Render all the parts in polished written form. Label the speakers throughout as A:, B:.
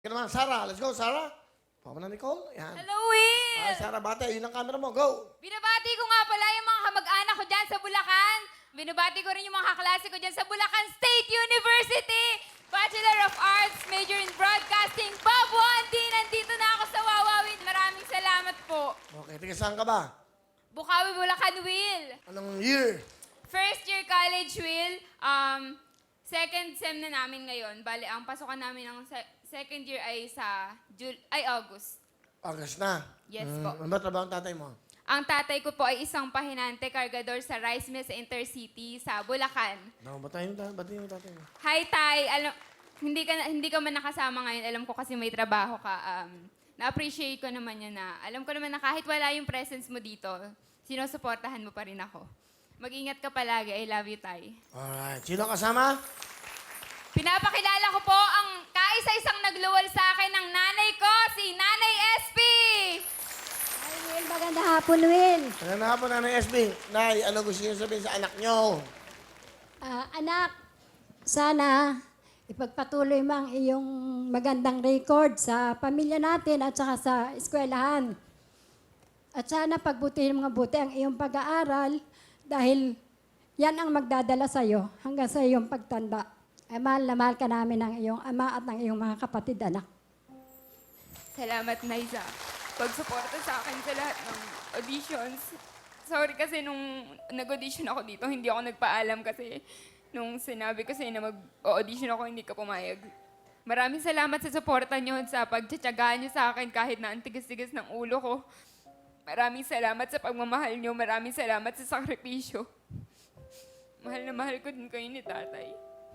A: Kaya naman, Sarah. Let's go, Sarah. Papa na Nicole. Yan.
B: Hello, Will!
A: Ay, Sarah, bate. Yun ang camera mo. Go.
B: Binabati ko nga pala yung mga kamag-anak ko dyan sa Bulacan. Binabati ko rin yung mga kaklase ko dyan sa Bulacan State University. Bachelor of Arts, major in Broadcasting. Bob Wandy, nandito na ako sa Wawawin. Maraming salamat po.
A: Okay, tiga saan ka ba?
B: Bukawi, Bulacan, Will.
A: Anong year?
B: First year college, Will. Second sem na namin ngayon. Bale, ang pasukan namin ng second year ay sa August.
A: August na.
B: Yes po.
A: Ano ba trabaho ang tatay mo?
B: Ang tatay ko po ay isang pahinante, kargador sa rice mill sa Intercity sa Bulacan.
A: No, batiin yung tatay mo.
B: Hi, Tay. Alam, hindi ka man nakasama ngayon. Alam ko kasi may trabaho ka. Na-appreciate ko naman yan na. Alam ko naman na kahit wala yung presence mo dito, sinusuportahan mo pa rin ako. Mag-ingat ka palagi. I love you, Tay.
A: Alright. Sino ang kasama?
B: Pinapakilala ko po ang kaisa-isang nagluwal sa akin ng nanay ko, si Nanay SP!
C: Ay, Will, magandang hapon, Will.
A: Ano na po, Nanay SB? Nay, ano gusto niyo sabihin sa anak niyo?
C: Anak, sana ipagpatuloy mo ang iyong magandang record sa pamilya natin at saka sa eskwelahan. At sana pagbutihin mo buti ang iyong pag-aaral dahil yan ang magdadala sa iyo hanggang sa iyong pagtanda. Ay, mahal na mahal ka namin ng iyong ama at ng iyong mga kapatid, anak.
B: Salamat, Nay, sa pagsuporta sa akin sa lahat ng auditions. Sorry kasi nung nag-audition ako dito, hindi ako nagpaalam kasi nung sinabi ko sa'yo na mag-audition ako, hindi ka pumayag. Maraming salamat sa suporta niyo, sa pagtsatsagaan niyo sa akin kahit na ang tigas-tigas ng ulo ko. Maraming salamat sa pagmamahal niyo. Maraming salamat sa sakripisyo. Mahal na mahal ko din kayo ni Tatay.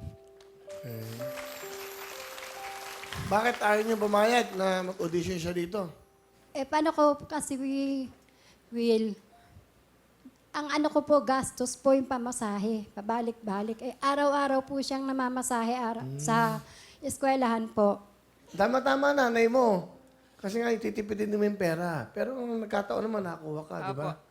A: Bakit ayaw niyo pumayag na mag-audition siya dito?
C: Paano ko kasi, Will, ang ano ko po, gastos po yung pamasahe, pabalik-balik. Araw-araw po siyang namamasahe sa eskwelahan po.
A: Tama-tama, nanay mo. Kasi nga, ititipidin mo yung pera. Pero ang nagkataon naman, nakakuha ka, di ba?
B: Opo.